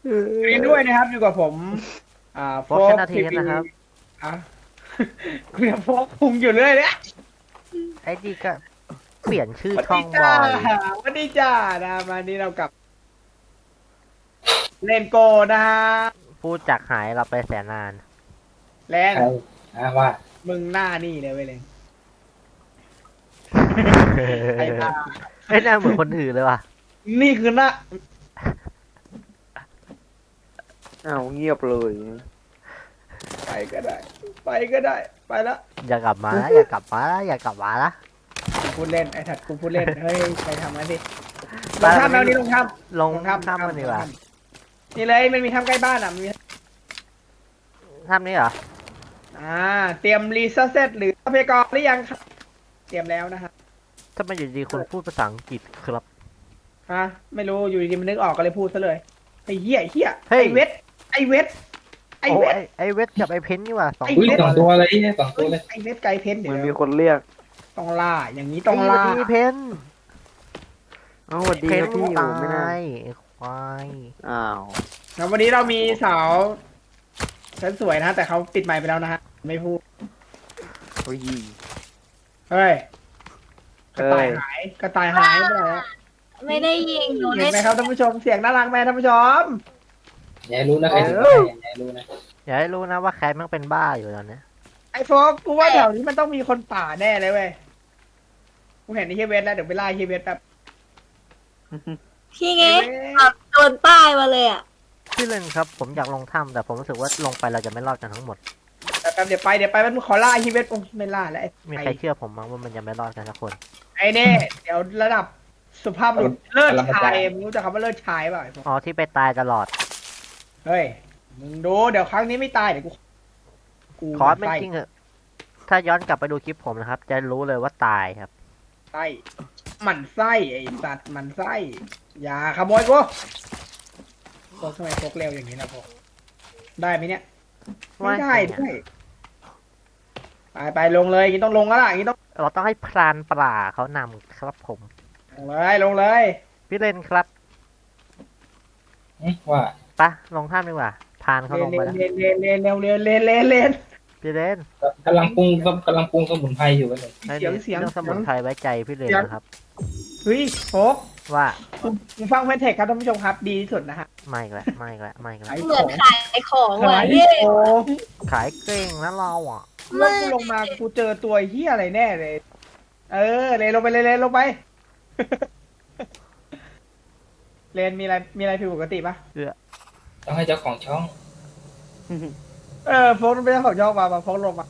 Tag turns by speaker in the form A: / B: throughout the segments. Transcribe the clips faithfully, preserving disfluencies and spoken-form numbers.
A: ยินด้วยนะครับอยู่กับผม อ่าโฟ
B: โฟกช
A: ก
B: นะที
A: ที
B: นะครับ
A: อ่ะ คุยกับโฟกพุงอยู่เรื่อยเนี่ย
B: ไอ้ดีก็เปลี่ยนชื่อ
A: สวัส
B: ช่อ
A: ดี
B: ง
A: จ้า
B: บ่อย
A: สวัสดีจ้านะมานี้เรากลับ เล่นโกนะฮะ
B: พูดจากหายเราไปแสนนาน
A: แลน
C: ใครนะว่า
A: มึงหน้านี่เลยเว้ยเลนไอ้ตา
B: ไอ้ยหน่าเหมือนคนอื่นเลยว่ะ
A: นี่คือหน้า
D: อ้าวเงียบเลย
A: ไปก็ได้ ไปก็ได้ ไปละ
B: อย่ากลับมานะอย่ากลับมานะอย่ากลับมาละ
A: กูพูดเล่นไอ้ถัดกูพูดเล่นเฮ้ยไปทำงั้นดิล
B: ไป
A: งท่าแมวนี้ลงท่า
B: ลง
A: ลงท่า
B: ถ้ำมันดีกว่า
A: นี่เลยมันมีท่าใกล้บ้านอ่ะมันมี
B: ถ้ำนี้เหรอ
A: อ่า เตรียมรีเซ็ตเซตหรือทรัพยากรหรือยังครับเตรียมแล้วนะฮะ
B: ถ้ามันอยู่ดีคนพูดภาษาอังกฤษครับ
A: ฮะไม่รู้อยู่ดีๆมันนึกออกก็เลยพูดซะเลยไอ้เหี้ยไอ้เหี้ย
B: เฮ้ย
A: ไอ้เวทไอ้เวทไอ้
B: โอ้
A: เวท
B: ไอ้ไอ้เวทกับไอ้เพนนี่ว่ะสอง
A: ไอ้
C: อุ้ย
A: เว็บ
C: สองตัวเลยเนี่ยสองตัวเลย
A: ไอ้เวทไกลเพนเดี๋
D: มัน
A: ยว
D: มีคนเรียก
A: ต้องล่าอย่างนี้ต้องล่า
B: ไอ้เพน
D: เอ้าสวัสดี
B: เพ
D: คน รับพี่
B: ตา
D: ผมไม่น่าย
B: ไอ้ควาย
D: อ้าว
A: แล้ววันนี้เรามีสาวฉันสวยนะ แต่เขาปิดไมค์ไปแล้วนะฮะไม่พูด
D: โอ้ย
A: เฮ้ยก
D: เอ้
A: ระต่าย
D: ย
A: หายกระต่ายหายไปไหนแล้ว
E: ไม่ได้ยิงหนู
A: เห็
D: Dạ.
A: นไหมครับท่านผู้ชมเสียงน่ารักไหมท่านผู้ชม
C: อย่าให้รู้นะใครถึงใครอย่าให้รู้นะ
B: อย่าให้รู้นะว่าแคทมันเป็นบ้าอยู่ตอนเนี้ย
A: ไอ้โฟกกูว่าแถวนี้มันต้องมีคนป่าแน่เลยเว้ยกูเห็นไอ้เฮียเวทแล้วเดี๋ยวไปไล่เฮียเวทแบบ
F: พี่เงี้แบบโดนป้ายมาเลยอ่ะ
B: พี่เล่นครับผมอยากลงถ้ำแต่ผมรู้สึกว่าลงไปเราจะไม่รอดกันทั้งหมด
A: แป๊บเดี๋ยวไปเดี๋ยวไปมันขอล่าเฮียเวทโอ้ไม่ล่าแล้วไอ้
B: มีใครเชื่อผมมั้งว่ามันจะไม่รอดกันสักคน
A: ไอ้เน่เดี๋ยวระดับสุภาพบุรุษเลิศชายมึงรู้จักคำว่าเลิศชายเปล่าไอ้โฟก
B: อ๋อที่ไปตายตลอด
A: เฮ้ย มึงดูเดี๋ยวครั้งนี้ไม่ตายเดี๋ยวกูกู
B: คอร์สไม่
A: ไส้
B: จริงเหอะถ้าย้อนกลับไปดูคลิปผมนะครับ จะรู้เลยว่าตายครับ
A: ไส้หมันไส้ไอ้สัตว์หมันไส้อย่าขโมยกูโฟกทำไมโฟกเร็วอย่างนี้นะโฟกได้ไหมเนี่ยไม่ได้ด้วยไปไปลงเลยอย่างนี้ต้องลงแล้วล่ะอย่างนี้ต้อง
B: เราต้องให้พรานป่าเขานำครับผม
A: ลงเลยลงเลย
B: พี่เล่นครับ
C: อืมว่า
B: ปะลงถ้ำดีกว่าพรานเขา
A: เล
B: ล
A: น
B: ง
A: เล
B: ไป
A: น
B: แล้ว
A: เลนเลนเลนเร็วเร็วเลนเลนเลน
B: พี่เล่น
C: กำลังปรุงกำลังปรุงสมุนไพรอยู่กันเลย
B: ไอ้
A: เสียง
B: นี่
A: เสียง
B: เรื่องสมุนไพรไว้ใจพี่เล่นนะครับ
A: เฮ้ยโฟก
B: ว่า
A: มึงฟังเพนเทคครับท่านผู้ชมครับดีที่สุดนะฮะ
B: ไม่อีกแล้วไม่อีกแล้วไม่อีกแล้ว
A: ไอ้
F: เหมื
A: ข
F: อน
A: อง
F: ขายของ
A: ขา
F: ว่ะ
A: ย
F: พี่
A: ของ
B: ขายเก่งนะเราอ่ะ
A: แล้วกูลงมากูเจอตัวเฮียอะไรแน่เลย เออเลนลงไปเลยเลนลงไป เลนมีอะไรมีอะไรผิดปกติปะ
C: ต้องให้เจ้าของช่อง
A: เออโฟกเป็นเจ้าของช่องมามาโฟกลงมา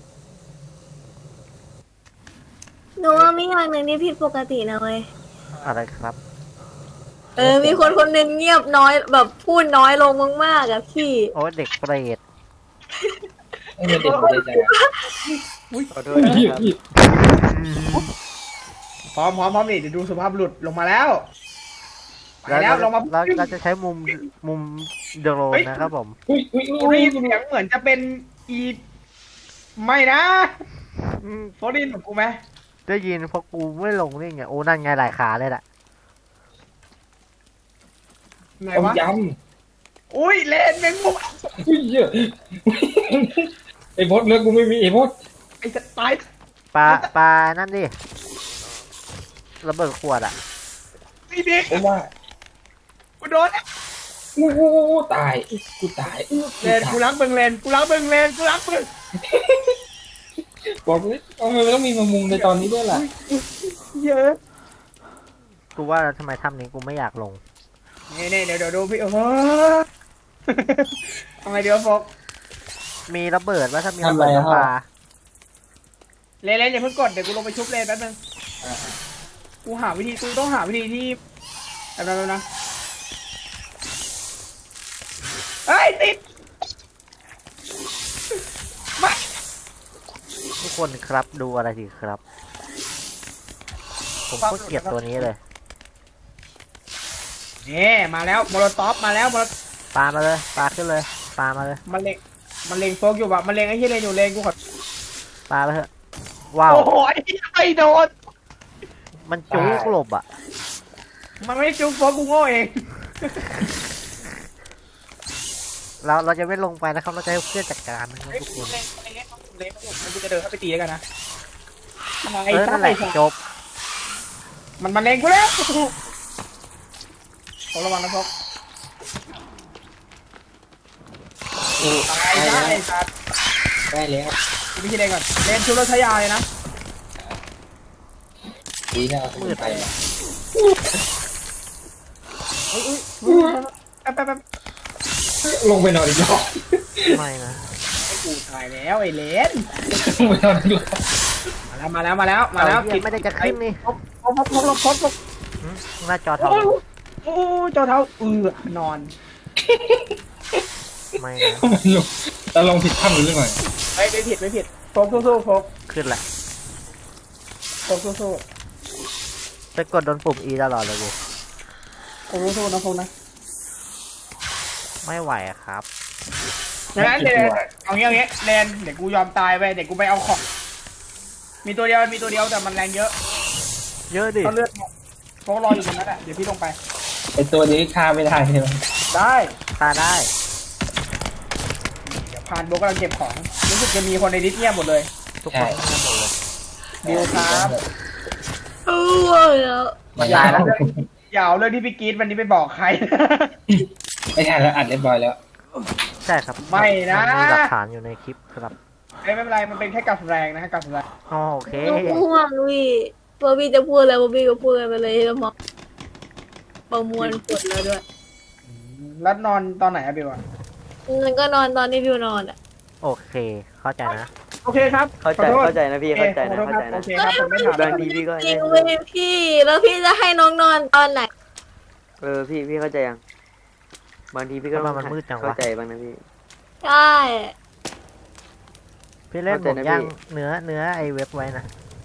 F: หนูว่ามีอย่างหนึ่งที่ผิดปกตินะเว้ย
B: อะไรครับ
F: เออ มีคนคนหนึ่งเงียบน้อยแบบพูดน้อยลงมากๆอะพี่
B: โอ้เด็กเปรต
C: ไม่เป็นเด็กเลยจ้ะ
D: ขอโทษนะครับ
A: พร้อมพร้อมพร้อมนี่เดี๋ยวดูสุภาพบุรุษลงมาแล้วไป
B: แล้ว
A: แล้วลงมา
B: เราเราจะใช้มุมมุมโดรนนะครับผม
C: อุ้ยอุ้ย
A: กู
C: อุ้
A: ได้
C: ย
A: ยินเสียงเหมือนจะเป็นอีไม่นะ
B: อืม
A: โฟกได้ยินเหมือนกูไหม
B: ได้ยินเพราะกูไม่ลงนี่ไงโอ้นั่นไงหลายขาเลยแหละ
A: ไหน
C: ต้ม
A: วะ
C: ย
A: อุ้ยเลนแมงมุม
C: ำอุ้ยเยอะไอ้พดเลือกกูไม่มีไอ้พด
A: ไอ้จะตาย
B: ปลาปลานั่นดิระเบิดขวดอ่ะ
A: ไอ้เด็ก
C: ผมว่า
A: กูโดน
C: อู้หูตายกูตายอู้
A: เลนกูรักเบิงเลนกูรักเบิงเลนกูรักเบิง
C: บอกเลยทำไมมันต้องมีมามุงในตอนนี้ด้วยล่ะ
A: เยอะ
B: กูว่าทำไมถ้ำนี้กูไม่อยากลง
A: นี่นี่เดี๋ยวเดี๋ยวดูพี่โอ้โห ทำไมเดี๋ยวโฟก
B: มีระเบิดว่าถ้ามีระเบิดน้ำปลา
A: เลนเลนอย่าเพิ่งกดเดี๋ยวกูลงไปชุบเลนแป๊บนึงกูหาวิธีกูต้องหาวิธีที่แป๊บนึงนะเฮ้ยติดมา
B: ทุกคนครับดูอะไรสิครับ ผมก็เกลียดตัวนี้เลย
A: นี่มาแล้วโมโลท็อปมาแล้วโมโล
B: ปลามาเลยปลาขึ้นเลยปลามาเลย
A: มันเล็งมันเล็งโฟกอยู่ว่ะมันเล็งไอ้ที่เลนอยู่เลนกูขอ
B: ปลาไปเถอะว้าว
A: โอ้โหไอ้ที่ไม่โดน
B: มันจุกหลบอ่ะ
A: มันไม่ได้จุ๊บโฟกกูโง่เอง
B: เราเราจะไม่ลงไปนะครับเราจะให้เพื่อนจัดการนะครับ
A: เฮ้ย
B: ทุกคน
A: เล่นเล่นเล่นผมกูจะเดินเข้าไปตีแล้วกันนะ
B: เออนั่นแหละจบ
A: มันมันเล็งกูแล้วผมระวังนะพก ตายได้ครับ
C: ได้แล้ว
A: วิธีเล่นก่อนเล่นชุดรถชายาเลยนะ
C: ดีนะเอามือไป
A: อุ้ยอุ้ยแป๊บแป๊บแป๊บ
C: ลงไปนอนอีกรอบ
B: ไม่นะ
A: ไอ้กูตายแล้วไอ้เลน
C: ลงไปนอนอีกรอบ
A: มาแล้วมาแล้วมาแล้วมาแล้ว
B: เอเหี้ยไม่ได้จะขึ้นนี่
A: พกพกพกพกพกพก
B: หืมหน้าจอเทา
A: โอ้โอ้เจ้าเท้าเออนอน
B: ไม่นะ
C: มันลงเราลงผิดถ้ำหรือเรื่องอะไร
A: ไม่ไม่ผิดไม่ผิดพกสู้สู้พก
B: ขึ้นแหละ
A: พกสู้สู้
B: ไปกดโดนปุ่ม E ตลอดเลยกู
A: พกสู้สู้นะพกนะ
B: ไม่ไหวอะครับ
A: งั้นเดี๋ยวเอางี้เอางี้เลนเดี๋ยวกูยอมตายไปเดี๋ยวกูไปเอาของมีตัวเดียวมีตัวเดียวแต่มันแรงเยอะ
B: เยอะดิ
A: เขาเลือดพกรออยู่ตรงนั้นแหละเดี๋ยวพี่ลงไป
C: ไอตัวนี้ฆ่าไม่ได้ใช่ไหม
A: ได้
B: ตาได้
A: เดี๋ยวพานโบกกำลังเก็บของรู้สึกจะมีคนในดิสเงียบหมดเลย
B: ทุกคนเงียบหมดเลย
A: บิวครับ
F: เออแล้ว
C: มันตายแล้ว
A: อย่าเอาเรื่องที่พี่กรีดวันนี้ไปบอกใคร
C: ไม่ทันแล้วอัดเรียบร้อยแล้ว
B: ใช่ครับ
A: ไม่นะ
B: มัมีหลักฐานอยู่ในคลิปครับ
A: ไม่เป็นไรมันเป็นแค่กับแรงนะฮะกับแรง
B: อ๋อโอเค
F: ลูกห่วงพี่บอบบี้จะพูดอะไรบอบบี้ก็พูดกันไปเลยแล้วมองประมวลผลแล้วด้วย
A: แล้วนอนตอนไหนอะบิวอะ
F: มันก็นอนตอนที่บิวนอนอ่ะ
B: โอเค เข้าใจนะ
A: โอเคครับ
D: เข้าใจ
A: ขอโทษ
D: เข้าใจนะพี่เข้าใจนะ
A: โอ
D: เข้า
A: เค
D: ใจ
A: ครับ
D: นะ
A: โอเคครับผมไม่ถาม
D: บางทีพี่ก็
F: จริงเว้ยพี่ แล้วพี่จะให้น้องนอนตอนไหน
D: เออพี่พี่เข้าใจยังบางทีพี่ก็ต้อง
B: ทำไมมันมืดจังวะ
D: เข้าใจบ้างนะพี่
F: ใช่
B: พี่เล่นผ
D: เข้าม ใจนะ
B: ย่าง
D: พี่
B: เนื้อเนื้อไอเว็บไว้นะ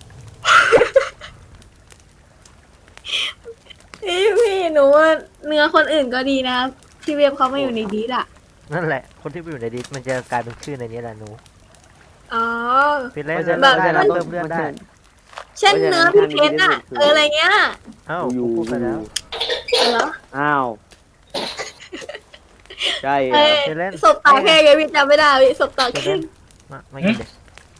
F: พี่พี่หนูว่าเนื้อคนอื่นก็ดีนะพี่เว็บเขาไม่อยู่ในดีดอ่ะ
B: นั่นแหละ คนที่ไปอยู่ในดิสมันจะกลายเป็นชื่อในนี้แหละหนู
F: อ๋อ
B: พี่เล่น
D: เพราะฉะ
B: ได้
D: นั้น
B: แล้วเพิ่มเลือดได้
F: เช่นเนื้อพี่เพชรอ่ะเอออะไรเงี้ย
B: เอ้า
D: อยู่
B: พูดไปแล้ว
F: เหรอ
D: อ้าวใช่เหร
F: เอ้
D: อย
B: พี่เล่น
F: ศพตาแค่ไงพี่จำไม่ได้พี่ศพตา
B: พี่
F: แค่
B: เล่นมาไม่กินเด็ก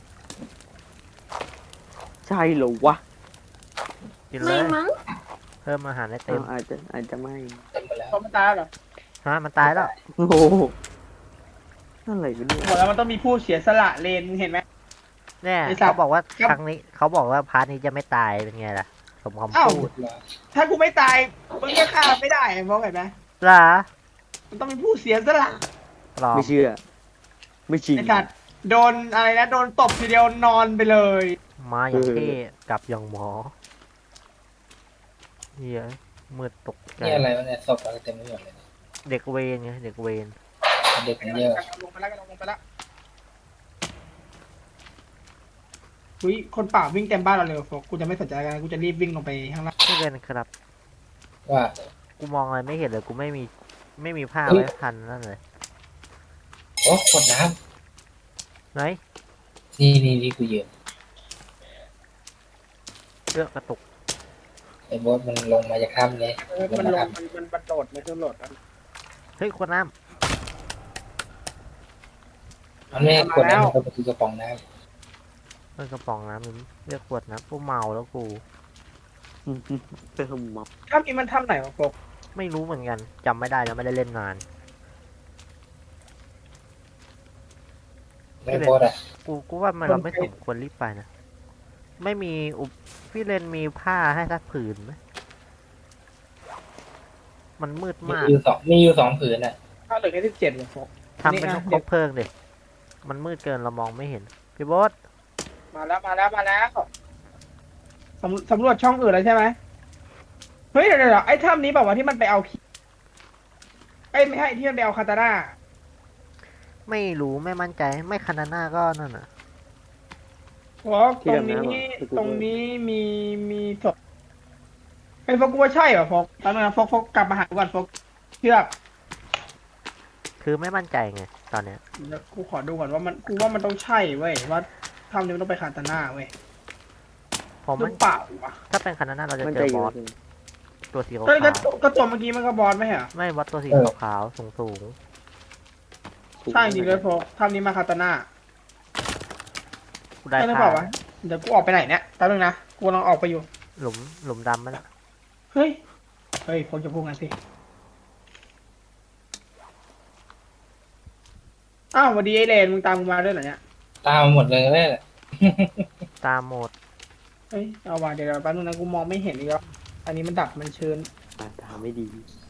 D: ใช่เหรอวะ
B: กินเล
F: ไม่
B: ย
F: มั้ง
B: เพิ่มอาหารให้เต็
D: อ้าม วอาจจะอาจจะไม่
C: เต็มไปแล้ว
A: เขามันตายเหรอ
B: ฮะมันตายแล้ว
D: โอ้โหอะไรกันเนี่ย
A: บอกแล้วมันต้องมีผู้เสียสละเลนเห็นไหม
B: เนี่ย
A: ไอ้สัตว์
B: เขาบอกว่า
A: ครับ
B: ครั้งนี้เขาบอกว่าพาร์ทนี้จะไม่ตายเป็นไงล่ะสมคำ
A: อ้าว
B: พูด
A: ถ้ากูไม่ตายมึงก็ฆ่าไม่ได้เพราะไงไหม
B: ล่ะ
A: มันต้องมีผู้เสียสละ
B: หรอ
D: ไม่เชื่อ ไม่จริง
A: ไอ้สัตว์โดนอะไรนะโดนตบทีเดียวนอนไปเลย
B: มาอย่าง
D: เออ
B: เท่กลับอย่างหมอเฮียมืดตกใจ
C: นี่อะไรวะเนี่ยศพอะไรเต็มไปหมดเลย
B: เด็กเวรไงเด็กเวร
C: เด็กมันเยอะ
A: ลงไปแล้วลงไปแล้วอุ้ยคนป่าวิ่งเต็มบ้านเราเลยโฟกกูจะไม่สนใจกันกูจะรีบวิ่งลงไปข้างล่าง
B: พี่เล่นครับ
C: ว่า
B: กูมองอะไรไม่เห็นเลยกูไม่มีไม่มีผ้า
C: เฮ้ย
B: ไว้พันนั่นเลย
C: โอ้กดน้
B: ไหน
C: ำนี่นี่นี่กูยืน
B: เลือกกระตุก
C: ไอ้บอสมันลงมาจากถ้ำเลย
A: เออมันลงมันมันมันโดดมันคือโหลด
B: เฮ้ยขวดน้
C: มันไม่ให้กดน้ำมันก็ประตูกระป๋องน้
B: ำเลือกกระป๋องน้ำมึงเลือกขวดน้ำกูเมาแล้วกู
D: เพิ่มม็อบ
A: ถ้ามีมันทำไหนวะโฟก
B: ไม่รู้เหมือนกันจำไม่ได้แล้วไม่ได้เล่นนาน
C: ำไม่บอสอ่ะ
B: กูกูว่ามันเราไม่สมควรรีบไปนะไม่มีอุปพี่เลนมีผ้าให้สักผืนไหมมันมืด
C: มี
B: มาก
C: อยู่สองมีอยู่สองผืนอ่ะ
A: ถ้าเหลือแค่สิบเจ็ดเลยโฟก
B: ทำเป็น
A: นี่
B: น
A: อ่ะ
B: กคบเพลิงดิมันมืดเกินเรามองไม่เห็นพี่โบอส
A: มาแล้วมาแล้วมาแล้วสำสำรวจช่องอื่นแล้วใช่ไหมเฮ้ยเดี๋ยวเดี๋ยวไอ้ถ้ำนี้บอกว่าที่มันไปเอาคีไอ้ยไม่ใช่ที่มันไปเอาคาตาร่า
B: ไม่รู้ไม่มั่นใจไม่คานาน่าก็นั่นน่ะ
A: โฟกตรงนี้ตรงนี้มีมีศพไอ้ยโฟกกูว่าใช่เหรอโฟกตอนนั้นโฟกโฟกกลับมาหากูก่อนโฟกเชื่อ
B: คือไม่มั่นใจไงตอนเนี้ย
A: เดี๋ยวกูขอดูก่อนว่ามันกูว่ามันต้องใช่เว้ยว่าถ้ำนี้มันต้องไปคาตาน่าเว้ย
B: ผม
A: หรื
B: มัน
A: อเปล่าวะ
B: ถ้าเป็นคานาน่าเราจะ
D: มัน
B: เจ
D: จะ
B: อ
D: อบ ยู่
B: อสตัวสีขาว
A: ก็ก็ก็ตัวเมื่อกี้มันก็บอลไม่ใช่เหรอ
B: ๆไม่บอสตัวสีขาวๆสูงสูง
A: ใช่จริงเลยโฟกถ้ำนี้มาคาตาน่า
B: กูได้
A: ใช่หรือ
B: ผ้า
A: เปล่าวะเดี๋ยวกูออกไปไหนเนี่ยแป๊บนึงนะกูกำลังออกไปอยู่
B: หลุมหลุมดำมันอะ
A: เฮ้ยเฮ้ยโฟกจะพูดงั้นสิอ้าวสวัสดีไอเลนมึงตามกูมาด้วยเหรอเนี่ย
C: ตามหมดเลยแหละ
B: ตามโหมด
A: เฮ้ยเอาว่ะเดี๋ยวแป๊บนึงนะกูมองไม่เห็นอีกแล้วอันนี้มันดับมันเชิญ
D: อ่าทำไม่ดี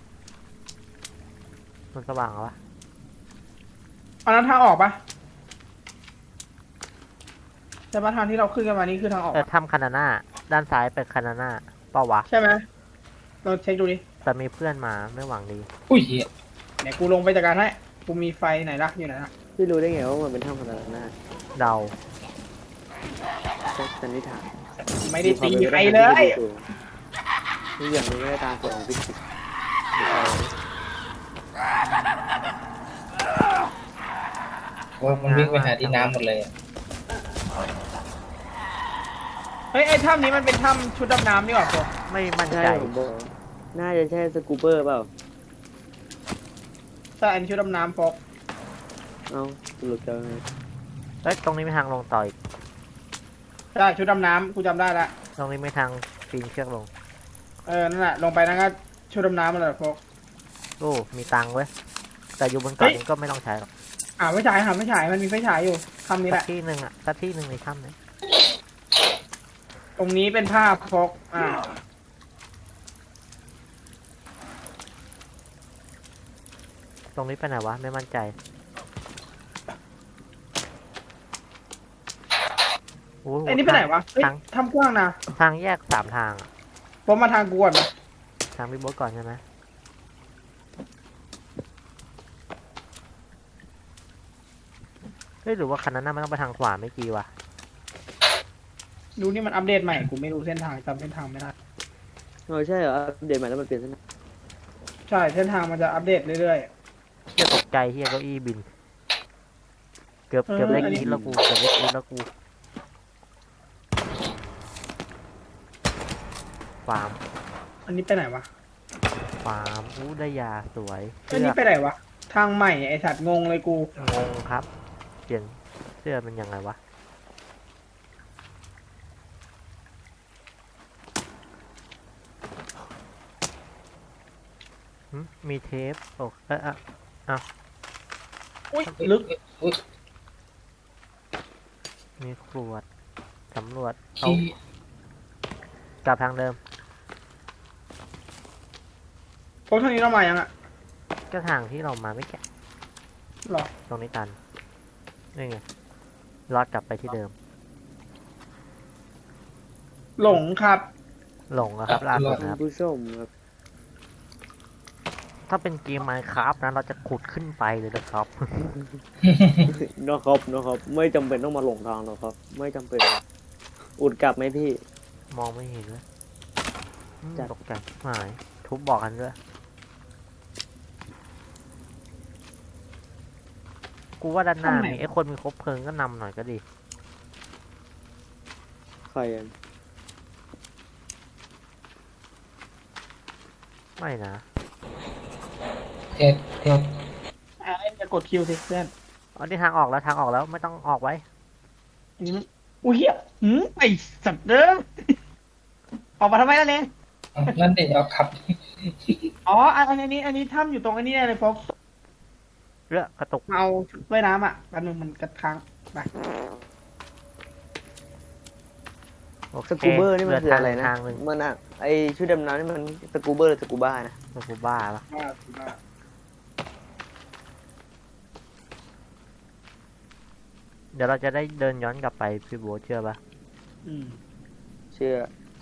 B: มันสว่างเหรอวะ
A: อันนั้นทางออกปะใช่ปะทางที่เราขึ้นกันมานี่คือทางออก
B: เออ
A: ปะ
B: ถ้ำคานาน่าด้านซ้ายเป็นคานาน่าเปล่าวะ
A: ใช่ไหมเราเช็คดูดิ
B: แต่มีเพื่อนมาไม่หวังดี
C: อุ้ยเหี้ย
A: เดี๋ยวกูลงไปจัดการให้กูมีไฟไหนล่ะอยู่ไหนล่ะ
D: พี่รู้ได้ไงว่ามันเป็นถ้ำขนาดนั้น
B: เดา
D: แค่สันนิษฐาน
A: ไม่ได้ตีใครเลย
D: ทุกอย่างมันไม่ได้ตามกฎของฟิสิกส์
C: ว่ามันวิ่งไปหาที่น้ำหมดเลยอะ
A: เฮ้ยไอ้ถ้ำนี้มันเป็นถ้ำชุดดำน้ำนี่หว่าโฟก
B: ไม่มั่น
D: ใช่
B: ใจ
D: ผมบอกน่าจะใช่สกูเบอร์เปล่า
A: ใช่อันนี้ชุดดำน้ำโฟก
D: เอ้าหลุดกันไง
B: เอ้ยตรงนี้มีทางลงต่ออีก
A: ใช่ชุดดำน้ำกูจำได้ละ
B: ตรงนี้มีทางปีนเชือกลง
A: เออนั่นแหละลงไปนั่นก็ชุดดำน้ำมันแหละโฟก
B: โอ้ มีตังค์เว้ย แต่อยู่บนเกาะนี้ก็ไม่ต้องใช้หรอก
A: อ่าไฟฉายหาไฟฉายมันมีไฟฉายอยู่ถ้ำนี้แห
B: สั
A: ละ
B: กที่หนึ่งอะสักที่หนึ่งในถ้ำเนี่ย
A: ตรงนี้เป็นภาพโฟกอ่า
B: ตรงนี้ไปไหนวะ ไม่มั่นใจ โอ้โห
A: ไอ้นี่ไปไหนวะเฮ้ย
B: ทาง
A: ถ้ำกว้างนะ
B: ทางแยกสามทางอะ
A: ผมมาทางกูก่อนนะ
B: ทางพี่โบ๊ทก่อนใช่ไหมเฮ้ยหรือว่าคันนั้นน่ะมันต้องไปทางขวาไม่กี่วะ
A: ดูนี่มันอัปเดตใหม่กูไม่รู้เส้นทางจำเส้นทางไม่ได้
D: เออใช่เหรออัปเดตใหม่แล้วมันเปลี่ยนเส้นทาง
A: ใช่เส้นทางมันจะอัปเดตเรื่อย
B: เฮียตกใจเฮียเก้าอี้บิน เกือบ
A: เออ
B: เกือบได้
A: อันนี้
B: กรีดแล้วกูเกือบได้กรีดแล้วกูฟาร์ม
A: ๆ อันนี้ไปไหนวะ
B: ฟาร์มอู้ได้ยาสวย
A: อัน
B: เสื้
A: นี้
B: อ
A: ไปไหนวะทางใหม่ไอสัตว์งงเลยกู
B: งงครับ เปลี่ยนเสื้อเป็นยังไงวะหึมีเทปโอ้เอะอะ
A: อุ้ยลึก
C: อุ้ย
B: มีขวดสำรวจเอา
C: ขี้
B: กลับทางเดิม
A: พวกเท่านี้เรามายังอะ
B: ก็ทางที่เรามาไม่แก่
A: หรอ
B: ตรงนี้ตันนี่ไงลอดกลับไปที่เดิม
A: หลงครับ
B: หลงอะครับล่าสุดนะครับ
D: ผู้ชมครับ
B: ถ้าเป็นเกม Minecraft นะเราจะขุดขึ้นไปเลยนะครับ
D: นะครับนะครับไม่จำเป็นต้องมาหลงทางหรอกครับ ไม่จำเป็น อุดกลับไหมพี่
B: มองไม่เห็นเลยอืม
D: จัด
B: ตกใจหายทุบบอกกันด้วย กูว่าด้านหน้า
A: ทำไม
B: มีไอ้คนมีคบเพลิงก็นำหน่อยก็ดี
D: ใครอ่ะ
B: ไม่นะ
C: เทปเทป
A: อ่าจะกดคิวสิเพื่อน
B: อ๋อนี่ทางออกแล้วทางออกแล้วไม่ต้องออกไว้
A: อันนี้มันอุ้ยเหี้ยหืมไอสัตว์เดิม ออกมาทำไมล่ะเนี่ย
C: เอานั่นเด็กเอาขับ
A: อ๋ออันอันนี้ อันนี้ถ้ำอยู่ตรงอันนี้เลยโฟก
B: เรือกระตุก
A: เอาชุดว่ายน้ำอ่ะแป๊บนึงมันกระค้างไป
B: โอเค
D: สกูเบอร์นี่มันคืออะไรนะ
B: ทางหนึ่ง
D: มันอ่ะไอชุดดำน้ำนี่มันสกูเบอร์หรือสกูบ้านะ
B: สกูบ้าปะ
A: ว่าว่า
B: เดี๋ยวเราจะได้เดินย้อนกลับไปพี่โบ๊ทเชื่อปะ
A: อืม
D: เชื่อ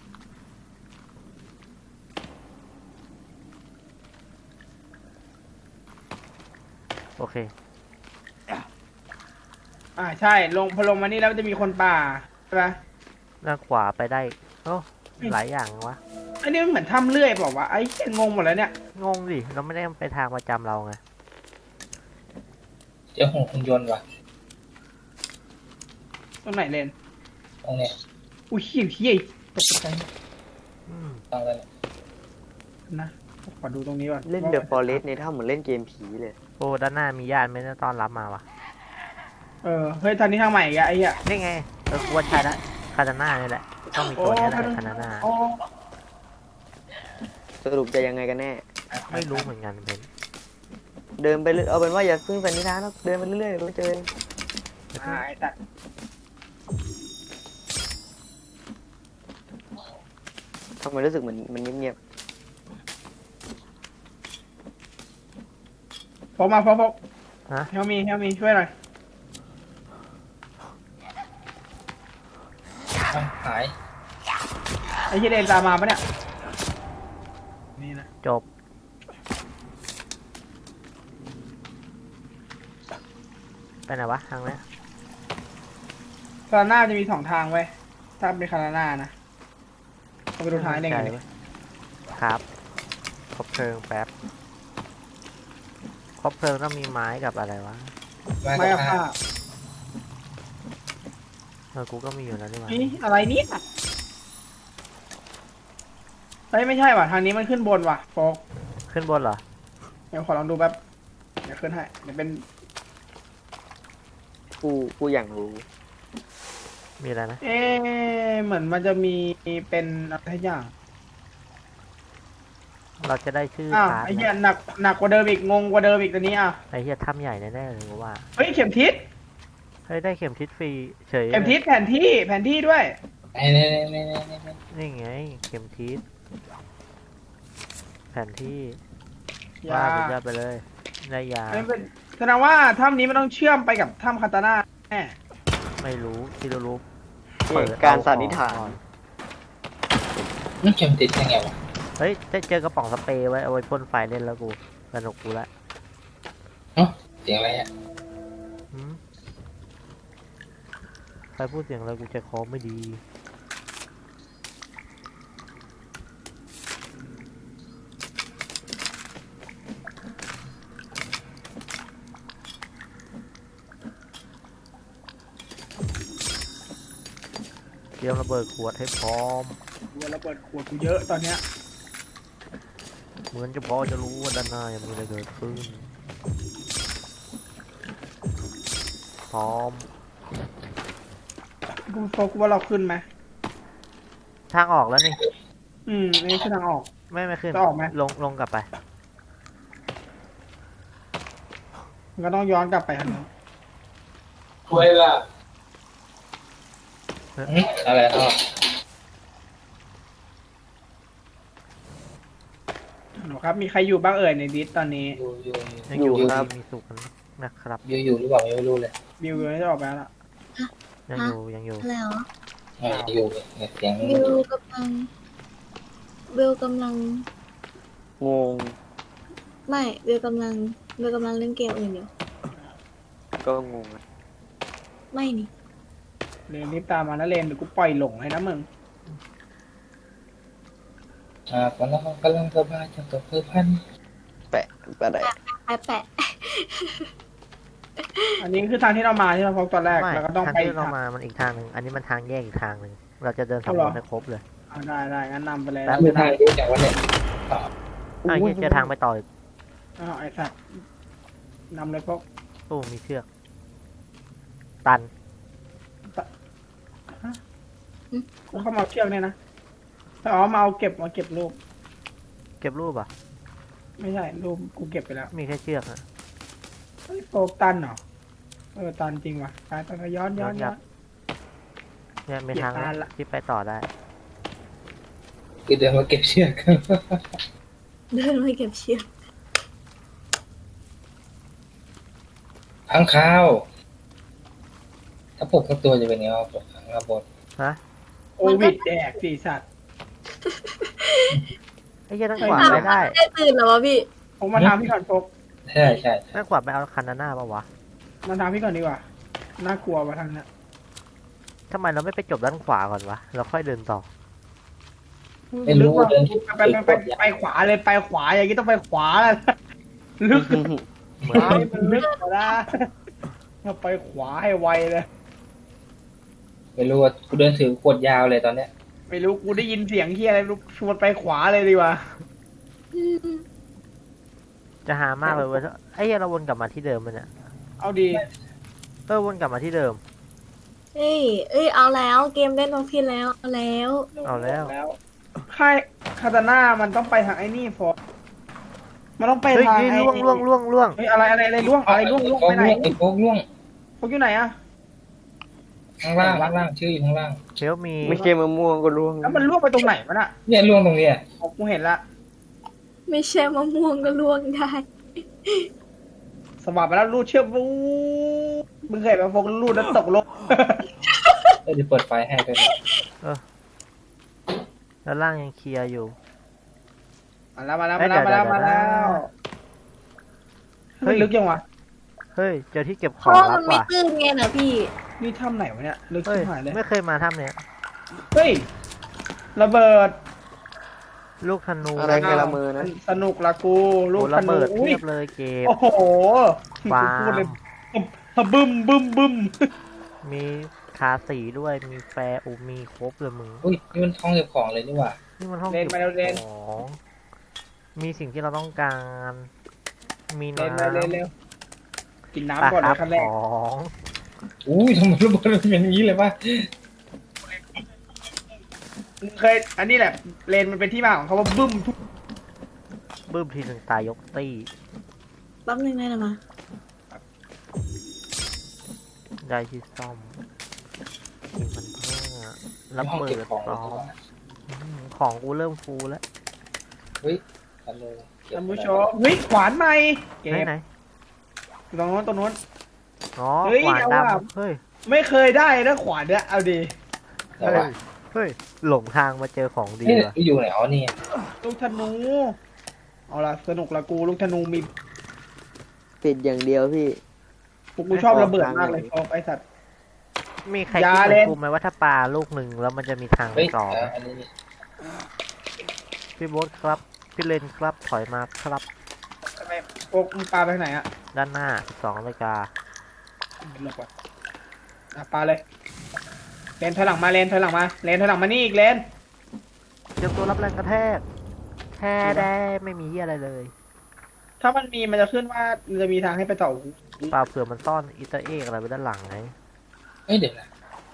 B: โอเค
A: อ่าใช่ ลงพอลงมานี่แล้วมันจะมีคนป่าใช่ปะ
B: ด้านขวาไปได้โอ้หลายอย่างวะ
A: อันนี้มันเหมือนถ้ำเลื่อยเปล่าวะไอ้เหี้ยงงหมดแล้วเนี่ย
B: งงดิเราไม่ได้ไปทางประจำเราไง
C: เจ้าของคุณยนต์ว่ะ
A: ตรงไหนเลน
C: ตรงเนี้ย
A: อุ้ยเหี้ยเหี้ยตกใจ
B: อืม
C: ตรงนั้น
A: นะขอดูตรงนี้ก่อน
D: เล่นเดอะฟอเรสต์ในถ้ำเหมือนเล่นเกมผีเลย
B: โอ้ด้านหน้ามีญาติไม่ได้ต้อนรับมาวะ
A: เออเฮ้ยทางนี้ทางใหม่อีกอะไอ้เหี้ย
B: นี่ไงเออควรใช้ละคาตาน่านี่แหละต้องมีตัวนี้แหละคาตาน่า
A: โอ้
D: สรุปจะยังไงกันแน่
B: ไม่รู้เหมือนกันเป็น
D: เดินไปเรื่อยเอาเป็นว่าอย่าพึ่งสันนิษฐานนะเดินไปเรื่อยๆเดี๋ยวก็เจอ
A: อ่าไอ้สัตว์
D: ทำไมรู้สึกเหมือนมันเงียบ
A: พกมาพกพก
B: ฮะ
A: เฮลมีเฮลมีช่วยหน่อย
C: อ้าวหาย
A: ไอ้ที่เดนตามมาปะเนี่ยนี่นะ
B: จบไปไหนวะทางเนี้ย
A: คาราน่าจะมีสองทางไว้ยถ้าเป็นคาราน่านะเอาไปดูท้ายได้ไง
B: ใจ
A: ดิ
B: เว้ยครับครบเพลิงแป๊บครบเพลิงต้องมีไม้กับอะไรวะ
C: มา
A: ไม่
C: กับ
A: เอา
C: ผ้า
A: ผ้า
B: เออกูก็มีอยู่แล้วนี่หว่า
A: นี่อะไรเนี่ยเฮ้ยไม่ใช่ว่ะทางนี้มันขึ้นบนว่ะโฟก
B: ขึ้นบนเหรอ
A: เดี๋ยวขอลองดูแป๊บเดี๋ยวขึ้นให้เดี๋ยวเป็น
D: ๆกูกูอยากรู้
B: มีอะไรนะ
A: เอ๊ะเหมือนมันจะมีเป็นอะไรทุกอย่าง
B: เราจะได้ชื่อ
A: อ้าว
B: พาร์ท
A: ไอ้เหี้ย
B: นะ
A: หนักหนักกว่าเดิมอีกงงกว่าเดิมอีกตัวนี้อ่ะ
B: ไอ้เหี้ยถ้ำใหญ่แน่ๆเลยกูว่า
A: เฮ้ยเข็มทิศ
B: เฮ้ยได้เข็มทิศฟรีเฉย
A: เข็มทิศแผนที่แผนที่ด้วย
C: ไอ้เนี่ยเนี่ยเนี่ยเนี่ยเนี่ย
B: นี่ไงเข็มทิศแผนที่
A: ยา
B: ว่าสุดยอดไปเลยได้ยา
A: ไม่เป็นแสดงว่าถ้ำนี้มันต้องเชื่อมไปกับถ้ำคาตาน่าแน่
B: ไม่รู้ที่เรารู้
D: เหตุการณ์สันนิษฐาน
B: ก่อ
C: มันเข็มติดยังไงวะ
B: เฮ้ยจะเจอกระป๋องสเปรย์ไว้เอาไว้พ่นไฟเล่นแล้วกูสนุกกูละ
C: เสียงอะไรอ่ะ
B: หืมใครพูดเสียงอะไรกูใจคอไม่ดีเตรียมระเบิดขวดให้พร้อม
A: กูระเบิดขวดกูเยอะตอนเนี้ย
B: เหมือนจะพอจะรู้ว่าด้านหน้ายังมีอะไรเกิดขึ้น พร้อม
A: กูโฟกว่าเราขึ้นไหม
B: ทางออกแล้วนี่
A: อืมนี่คือทางออก
B: ไม่ไม่ขึ้น
A: จะออกไหม
B: ลงลงกลับไป
A: มันก็ต้องย้อนกลับไปทางนู้น
C: ช่วยล่ะอะไรอ่ะ
A: หนูครับมีใครอยู่บ้างเอ่ยในดิสตอนนี้
C: อยู่อยู่
B: ยังอยู่
D: อยู่
B: ค
D: ครั
B: รับบ มีสุขนะครับ
C: อยู่อยู่หรือเปล่าไม่รู้เลย
A: บิวอยู่ไม่ได้ออกไปแล้วล่ะ
B: ยังอยู่ยังอยู่
F: แล้ว
C: อ่าอยู่เนี่ยเสียง
F: บิวกำลังบิวกำลัง
D: งง
F: ไม่บิวกำลังบิวกำลังเล่นเกมอื่นอยู่
D: ก็งงอะ
F: ไม่นี่
A: เรนรีบตามมานะเรนเดี๋ยวกูปล่อยหลงให้นะมึง
C: อ่ากำลังกำลังสบายจังตัวเพื่อพัน
D: แปะแปะไหน
F: แปะแปะ
A: อันนี้คือทางที่เรามาที่เราพบตอนแรก
B: ไม่
A: แล้วก็ต้อง
B: ทาง
A: ไป
B: ที่
A: อีก
B: เรา
A: ทาง
B: มามันอีกทางหนึ่งอันนี้มันทางแยกอีกทางหนึ่งเราจะเดิน
A: เอา
B: สำ
A: เห
B: ร
A: รอ
B: วจให้ครบเลย
A: อ่าได้ได้งั้นนำไปเลย
B: แป๊บ
C: ไม่ทางรู้จักว่าเนี่ย
B: อ้าวเหี้ยเจอทางไปต่ออีก
A: อ้าวไอ้สัตว์นำเลยพวก
B: ตู้มีเชือก ตัน
A: กูเข้ามาเอาเชือกเนี่ยนะอ๋อมาเอาเก็บมาเก็บรูป
B: เก็บรูปอ่ะ
A: ไม่ใช่รูปกูเก็บไปแล้ว
B: มีแค่เชือกอะ
A: เฮ้ยโฟกตันเหรอเออตันจริงว่ะตายตายย้อนย้อนย้อน
B: เนี่ยมีทาง
A: เก็บตันละ
B: ที่ไปต่อได้
C: คือเดินมาเก็บเชือก
F: เดินไปเก็บเชือก
C: ข้างข้าว ถ้าปลุกทั้งตัวจะเป็นไงวะปลุกข้างข้าวบน
B: ฮะ
A: โอวิดแดกสี่สัตว์
B: ไอ้เหี้ยตั้งกวาดไปได้
F: ได้ตื่นเหรอวะพี่
A: ผมมาทางพี่ก่อนโฟก
C: ใช่ใช่
B: ตั้งกวาดไปเอาคันนาน่าปะวะ
A: มาทางพี่ก่อนดีกว่าน่ากลัวว่ะทางเนี้ย
B: ทำไมเราไม่ไปจบด้านขวาก่อนวะ เราค่อยเดินต่อ
C: ไม่รู้
A: ว่า
C: เดิน
A: ไปไปไปไปขวาเลยไปขวาอย่างนี้ต้องไปขวาแล้วลึก
B: เหมือน
A: ซ้ายมันลึกกว่านะถ้าไปขวาให้ไวเลย
C: ไม่รู้ว่ากูเดินถือขวดยาวเลยตอนเนี้ย
A: ไม่รู้กูได้ยินเสียงที่อะไรไม่รู้ชวนไปขวาเลยดีกว่า
B: จจะหามากเลยเว้ยไอ้เหี้ยเราวนกลับมาที่เดิมมันเนี่ย
A: เอาดี
B: เออวนกลับมาที่เดิม
F: เอ้ยเอ้ยเอาแล้วเกมเล่นโอพีแล้วเอาแล้ว
B: เอาแล้ว
A: แล้วค่ายคาตาน่ามันต้องไปทางไอ้นี่ฟอมันต้องไป
B: เฮ้ย
A: ทาง
B: เฮ้ย
A: ไอ้
B: ล่วงล่วงล่วงล่วง
A: เฮ้ยอะไรอะไรอะไรล่วงอะไรล่วงล่วง
C: โฟ
A: ไป
C: ก
A: ไหน
C: ล่วงไอ้โฟกล่วง
A: พวกอยู่ไหนอะ
C: ข้างล่างข้างล่างชื่ออยู่ข้างล่าง
B: เดี๋ยวมี
D: ไม่ใช่มะม่วงก็ร่วง
A: แล้วมันล่วงไปตรงไหนวะน่ะ
C: เนี่ยล่วงตรงเนี้ย
A: อ๋อกูเห็นละ
F: ไม่ใช่มะม่วงก็ล่วงได้
A: สวัสดไปแล้วรูดเชือกวู้มึงเคยไปโฟกรูดแล้วตกลง
C: เดี๋ยวเปิดไฟให้ไปบนึง
B: แล้วล่างยังเคลียร์อยู่
A: มาแล้วมาแล้วมาแล้วมาแล้วมาแล้ว
B: เฮ้ย
A: ลึกยังวะ
B: เฮ้ยเจอที่เก็บข
F: เพ
B: อง
F: ราะว่า
B: ลั
F: มั
B: บ
F: นไม่
B: ว่ะ
F: ตื้นไงนะพี่
A: นี่ถ้ำไหนวะเนี่ยลึก
B: เฮ้ย
A: ชิบหายเลย
B: ไม่เคยมาถ้ำเนี้ย
A: เฮ้ยระเบิด
B: ลูกธนู
D: อะไรไงละมือนะ
A: สนุกละกูลู
B: โอ้
A: กธ
B: ระ
A: นู
B: เบิด
A: อุ้ย
B: เทียบเลยเก็บ
A: โอ้โห
B: ฟาร์ม
A: พูดเลยบึ้มบึ้มบึ้ม
B: มีคาสีด้วยมีแฟร์อูมีครบเลยมึง
C: อุ้ยนี่มันห้องเก็บของเลยนี่หว่า
B: นี่มันห้อง
A: เล่น
B: เก็บ
A: มาแล้วเล่น
B: ของมีสิ่งที่เราต้องการ มี
A: เล่น
B: น้ำ
A: มาเล่นเร็วกิน
B: ปะ
A: น้ำก่อน
B: ค
A: เล
B: รั
A: ย
B: บ
A: ขั้นแร
B: ข
A: ก
B: อง
C: อุ้ยทำไมระเบิดมันเป็นอย่างนี้เลยป่ะ
A: เคยอันนี้แหละเลนมันเป็นที่มาของเขาว่าบึ้มทุก
B: บึ้มทีหนึ่งตายยกตี้
F: แป๊บนึงได้นะมา
B: ได้ที่ซ่อมกินมันเพิ่มรับ
C: ห้อง
B: เบิ
C: เก็บ
B: ด
C: ของ
B: ซ้
C: เลย
B: อ
C: นี่ห
B: ม
C: ว่า
B: อืมของกูเริ่มฟูแล้ว
C: เฮ้ยทำเลยเก็บ
A: ท่าน
C: ไว้
A: ผู้ชมเฮ้ยขวานใหม่เก็
B: ไหน
A: บ
B: ไหน
A: ตรงโน้นตรงโน้น
B: อ๋อ
A: เฮ้ย
B: ขวาน
A: เอาว่ะ
B: ดำเฮ้ย
A: ไม่เคยได้นะขวานเนี่ยเอาดี
C: แต่
B: เฮ้
C: ว่าย
B: เฮ้ยหลงทางมาเจอของดี
C: เฮ้ย
B: ว่ะ
C: อยู่ไหนอ๋อนี่
A: ลูกธนูเอาละสนุกละกูลูกธนูมี
D: ติดอย่างเดียวพี่
A: กูกูชอบระเบิดมากเลยชอบไอ้สัตว์
B: มีใคร
A: อย่า
B: คิดเหมื
A: เล่
B: อน
A: น
B: กูไหมว่าถ้าปลาลูกหนึ่งแล้วมันจะมีทาง
C: เฮ้ย
B: ต่อไหม
C: อ่ะอันนี้นี่
B: พี่โบ๊ทครับพี่เลนครับถอยมาครับ
A: ทำไมโอ๊กมึงปาไปทางไหนอะ
B: ด้านหน้าสองนาฬิกา
A: หลบก่อนอ่ะปาเลยเลนถอยหลังมาเลนถอยหลังมาเลนถอยหลังมานี่อีกเลน
B: เตรียมตัวรับแรงกระแทกแค่ได้ไม่มีเหี้ยอะไรเลย
A: ถ้ามันมีมันจะขึ้นว่ามันจะมีทางให้ไปต่อ
B: เปล่าเผื่อมันซ่อนอิตาเอกอะไรไว้ด้านหลังไง
C: เอ้ยเดี๋ยวนะ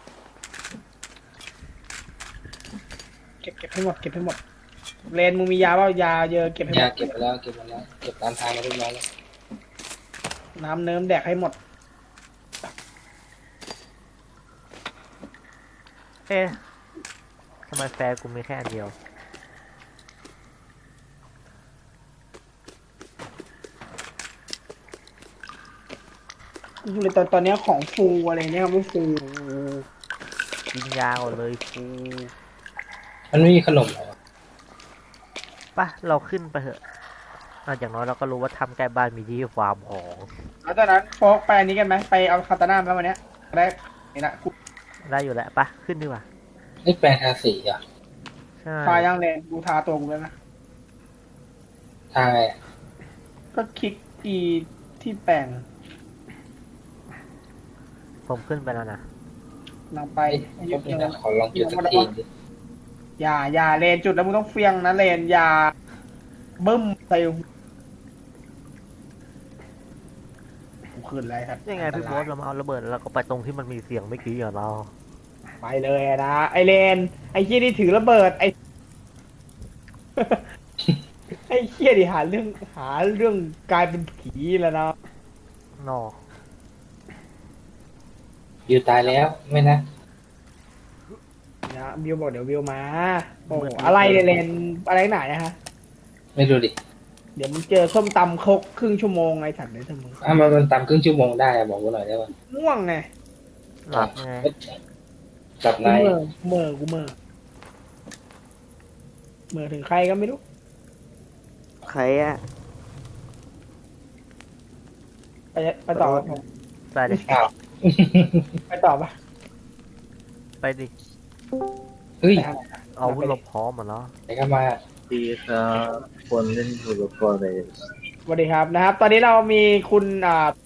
A: เก็บเก็บให้หมดเก็บให้หมดเลนมึงมียาเปล่ายาเยอะเก็บให้ห
C: ยาม
A: ด
C: เก็บไปแล้วเก็บมาแล้วเก็บตามทางมาเรียบร้อยแล้ว
A: น้ำเนิ้มแดกให้หมด
B: เอ๊ะทำไมแฟร์กูมีแค่อันเดียว
A: กูเลยตอนตอนเนี้ยของฟูอะไรเนี่ยไม่ฟู
B: กินยาก่อนเลยฟู
C: มันไม่มีขนมเหรอ
B: ปะเราขึ้นไปเถอะอ่ะอย่างน้อยเราก็รู้ว่าทำใกล้บ้านมีที่ฟาร์มของ
A: แล้วตอนนั้นโฟกไปอันนี้กันไหมไปเอาคาตาน่ามาวันเนี้ยได้นี่ละกู
B: ได้อยู่แล้วปะขึ้นดีกว่า
C: นี่แปลงทาสีเหรอ่ะ
B: ใช่
A: ทายังเลนกูทาตัวกูแล้วนะ
C: ทางไงอะ
A: ก็คลิกอีที่แปลง
B: ผมขึ้นไปแล้วนะ
A: นำไป
C: ไอ้พวกนี้นะขอลองจุดสักทีดิ
A: อย่าอย่าเลนจุดแล้วมึงต้องเฟียงนะเลนอย่าบึ้มใส่กูขึ้นอะไรครับ
B: ยังไงพี่โบ๊ทเรามาเอาระเบิดแล้วเราก็ไปตรงที่มันมีเสียงเมื่อกี้อ่ะเรา
A: ไปเลยนะไอเลนไอเคียนี่ถือระเบิดไอ ไอเคียดิหาเรื่องหาเรื่องกลายเป็นผีแล้วนะ
B: นอ
C: อยู่ตายแล้วไม่นะ
A: นะวิวบอกเดี๋ยววิวมาโอ้อะไรเนี่ยเลนอะไรหนาเนี่ยฮะ
C: ไม่รู้ดิ
A: เดี๋ยวมึงเจอส้มตำครกครึ่งชั่วโมงไอ้สัตว์เลยทั้งมึง
C: อ่ะมันมันตามครึ่งชั่วโมงได้อะบอกกูหน่อยได้ป่ะ
A: ง่วงไง
B: หลับไง
C: จับ
A: กู
C: ใน
A: เมอเมอกูเมอเมอถึงใครก็ไม่รู้
D: ใครอะ
A: ไปไปต่อ
B: ไปดิ
C: อ้าว
A: ไปต่อปะ
B: ไปดิ
C: เฮ้ย
A: ไปทางไหนอะ
B: เอาวุธเราพร้อมหมดแล้ว
C: ไหนเข้ามา
G: ดีครับคนเล่นทูร์ฟอร์เรส
A: สวัสดีครับนะครับ ตอนนี้เรามีคุณอ่า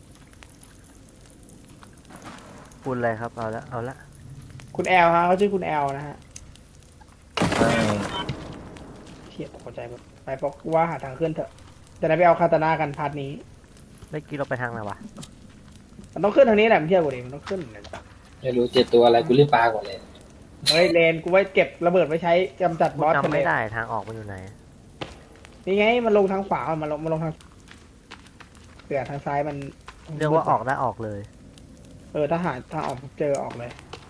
B: คุณอะไรครับเอาละเอาละ
A: คุณแอลฮะเขาชื่อคุณแอลนะฮะ
G: ใช่
A: เทียบเข้าใจหมดไปบอกว่าหาทางขึ้นเถอะจะได้ไปเอาคาตานากันพาร์ทนี้
B: เมื่อกี้เราไปทางไหนวะ
A: มันต้องขึ้นทางนี้แหละมันเที่ยวกูดิมันต้องขึ้นเลย
C: ไม่รู้เจ็ดตัวอะไรกูรีบปลาก่อนเลย
A: เฮ้ยเลนกูไว้เก็บระเบิดไว้ใช้กำจัด
B: กู
A: บอสทะ
B: จำ
A: เล
B: ไม่ได้ทางออกมันอยู่ไหน
A: นี่ไงมันลงทางขวามันลงมันลงทางเสือทางซ้ายมัน
B: เรียกว่าออกได้ออกเลย
A: เออถ้าหาทางออกเจอออกเลย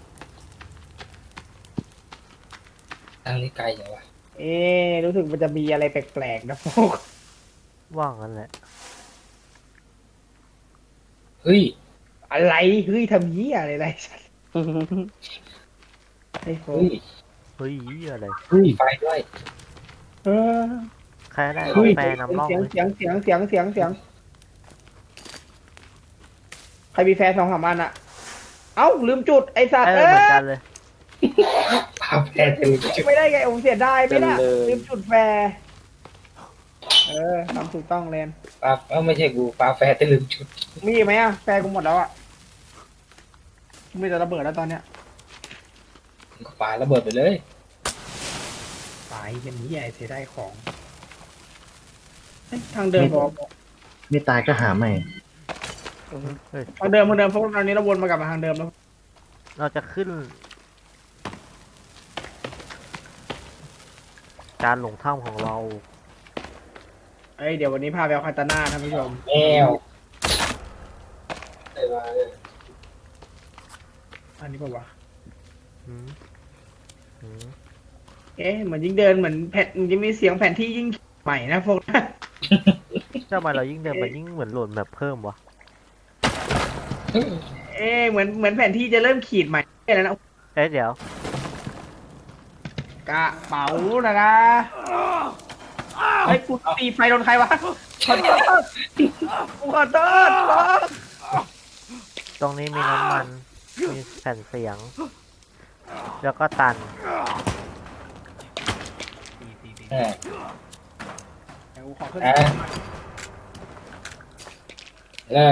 C: ทางนี้ไกลอย่างวะ
A: เอ๊ะรู้สึกมันจะมีอะไรแปลกๆนะพวก
B: ว่างงั้นแหละ
C: เฮ้ย
A: อะไรเฮ้ยทำยี่อะไรอะไรสัสไอ้โฟ
C: เฮ้ย
B: เฮ้ยอะไร
G: เฮ้ย
C: มีไฟด้วย
A: เออ
B: ใครได้
A: เฮ้ย
B: แปรนำร่อง
A: เสียง
B: ไหม
A: เสียงเสียงเสียงเสียงเสียงใครมีแฟนสองสามอันอะเอ้าลืมจุดไอ้สัต
B: เอ
A: ว์
B: อ
A: เอ
B: เหมือน
A: อ
B: กันเลย
C: ปลาแพร่ตื่นจุด
A: ไม่ได้ไงผมเสียดายไม่น่ะ
D: เป็นเลย
A: ลืมจุดแฟร์เออทำถูกต้องเลน
C: ปลาเอ้าไม่ใช่กูปลาแพร่ตื่นจุด
A: มีไหมอะแฟร์กูหมดแล้วอะมีแต่ระเบิดแล้วตอนเนี้ย
C: มึงก็ปลาระเบิดไปเลย
A: ตายเป็นนี้ไอ้เสียได้ของเฮ้ยทางเดิมบอก
G: ไม่ตายก็หาใหม่
B: เฮ้ย
A: ทางเดิมทางเดิมเพราะตอนนี้เราวนมากลับมาทางเดิมแล้ว
B: เราจะขึ้น การหลงถ้ำของเรา
A: เอ้ยเดี๋ยววันนี้พาไปเอาคาตาน่าท่านผู้ชม
C: แมว
A: อันนี้ป่าวะ
B: อืมอืม
A: เอ๊ะเหมือนยิ่งเดินเหมือนแผ่นมันจะมีเสียงแผ่นที่ยิ่งใหม่นะพวกนั้น
B: ทำไมเรายิ่งเดินไปยิ่งเหมือนโหลดแบบเพิ่มวะ
A: เอ๊ะเหมือนเหมือนแผ่นที่จะเริ่มขีดใหม่แล้วนะ
B: เอ๊ะเดี๋ยว
A: กระเป๋านะนะไอ้ยกูตีไฟโดนใครวะขอโทษกูขอโทษ
B: ตรงนี้มีน้ำมัน มีแผ่นเสียง แล้วก็ตัน
C: อ่า
A: เดี๋ยวกูขอขึ้น
C: อ่ะแล้ว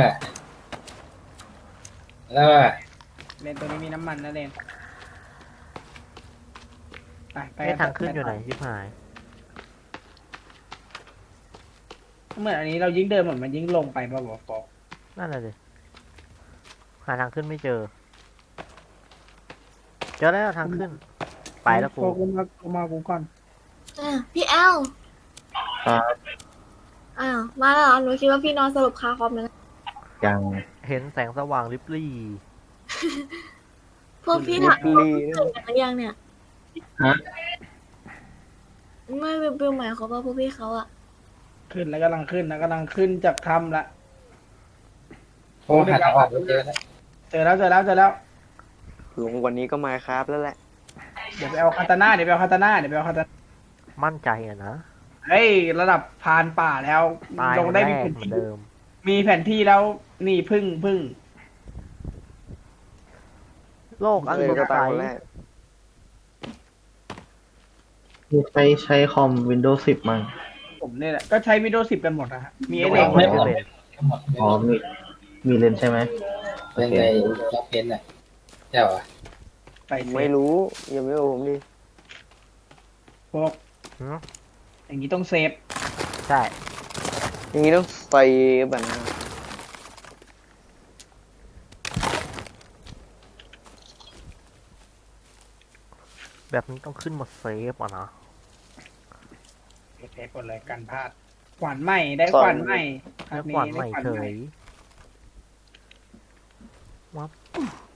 C: แล้ว
A: เลนตัวนี้มีน้ำมันนะเลนไปไป
B: ไม่ทางขึ้นอยู่ไหนชิบหาย
A: เหมือนอันนี้เรายิ่งเดินเหมือนมันยิ่งลงไปป่ะบอกฟอก
B: นั่นแหละสิหาทางขึ้นไม่เจอ เจอแล้วทางขึ้น ไปแล้วกู
A: ฟอกกูมากูมากูก่อน
F: อ่ะพี่แอล
G: ครับ
F: อ้าวมาแล้วเหรอหนูคิดว่าพี่นอนสลบคาคอมแล้วนะ
G: ยัง
B: เห็นแสงสว่างริบลี่
F: พวกพี่ถามพวกพี่ตื่นกันหรือยังเนี่ย
G: ฮะ
F: ไม่บิวบิวหมายเขามว่าพวกพี่เขาอะ
A: ขึ้นแล้วกำลังขึ้นนะกำลังขึ้นจากถ้ำละ
C: โอ้หาทางออกไม่เจอแล้ว
A: เจอแล้วเจอแล้วเจอแล้ว
D: ลงกวันนี้ก็มาครับแล้วแหละ
A: เดี๋ยวไปเอาคาตาน่าเดี๋ยวไปเอาคาตาน่าเดี๋ยวไปเอาคาตาน่า
B: มั่นใจอะนะ
A: เฮ้ยระดับพรานป่าแล้ว
B: ตาย
A: ลงได้
B: แร
A: มี
B: ก
A: แผน
B: เหมือน
A: ที่
B: เดิม
A: มีแผนที่แล้วนี่พึ่งพึ่ง
B: โลกอัน
D: เลย
B: สด
D: ก็
B: ใส
D: ตามคนแรก
G: ใช้ใช้คอม Windows สิบมั้ง
A: ผมเนี่ยแหละก็ใช้วิดีโอสิบกันหมดนะฮะมีไอ้
B: โล
A: เด็ก
B: ก
C: ไม่
B: ไม่
C: หมด
B: เป็น
C: ทั้งหมด
G: อ๋อมีมีเลนส์ใช่ไหม
C: เป็นไงรับเพนอ่ะใช่ป่ะ
A: ไปเซ
D: ไม่
A: ฟ
D: รู้ยังไม่รู้ผมดิ
A: พวก
B: หืม
A: อย่างนี้ต้องเซฟ
B: ใช่
D: อย่างนี้ต้องใส่แบบนั้น
B: แบบนี้ต้องขึ้นมาเซฟอ่ะนะ
A: เซฟหมดเลยกันพลาดขวานใหม่ได้ขวานใหม่
B: แล้วขวานใหม่
A: ได้ขวาน
B: เฉ
A: ใหม่
B: ยวับ